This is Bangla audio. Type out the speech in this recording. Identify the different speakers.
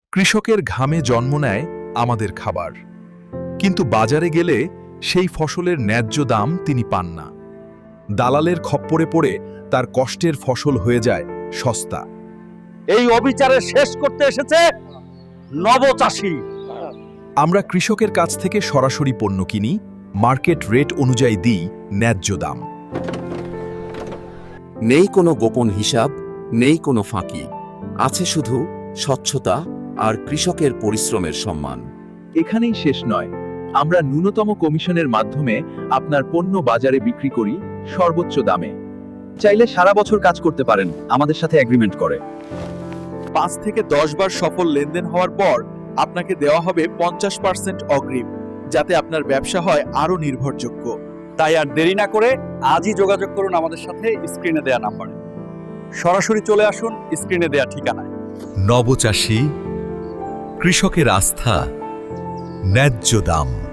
Speaker 1: কৃষকের ঘামে জন্ম নেয় আমাদের খাবার, কিন্তু বাজারে গেলে সেই ফসলের ন্যায্য দাম তিনি পান না। দালালের খপ্পরে পড়ে তার কষ্টের ফসল হয়ে যায় সস্তা।
Speaker 2: এই অবিচারে শেষ করতে এসেছে নবচাষী।
Speaker 1: আমরা কৃষকের কাছ থেকে সরাসরি পণ্য কিনি, মার্কেট রেট অনুযায়ী দিই ন্যায্য দাম।
Speaker 3: নেই কোনো গোপন হিসাব, নেই কোনো ফাঁকি, আছে শুধু স্বচ্ছতা আর কৃষকের পরিশ্রমের সম্মান।
Speaker 1: এখানেই শেষ নয়, আমরা ন্যূনতম কমিশনের মাধ্যমে আপনার পণ্য বাজারে বিক্রি করি সর্বোচ্চ দামে।
Speaker 2: চাইলে সারা বছর কাজ করতে পারেন আমাদের সাথে এগ্রিমেন্ট করে।
Speaker 1: 5 থেকে 10 বার সফল লেনদেন হওয়ার পর আপনাকে দেওয়া হবে 50% অগ্রিম, যাতে আপনার ব্যবসা হয় আরও নির্ভরযোগ্য।
Speaker 2: তাই আর দেরি না করে আজই যোগাযোগ করুন আমাদের সাথে স্ক্রিনে দেয়া নাম্বারে। সরাসরি চলে আসুন স্ক্রিনে দেয়া ঠিকানায়।
Speaker 1: নবচাষী, কৃষকের আস্থা, ন্যায্য দাম।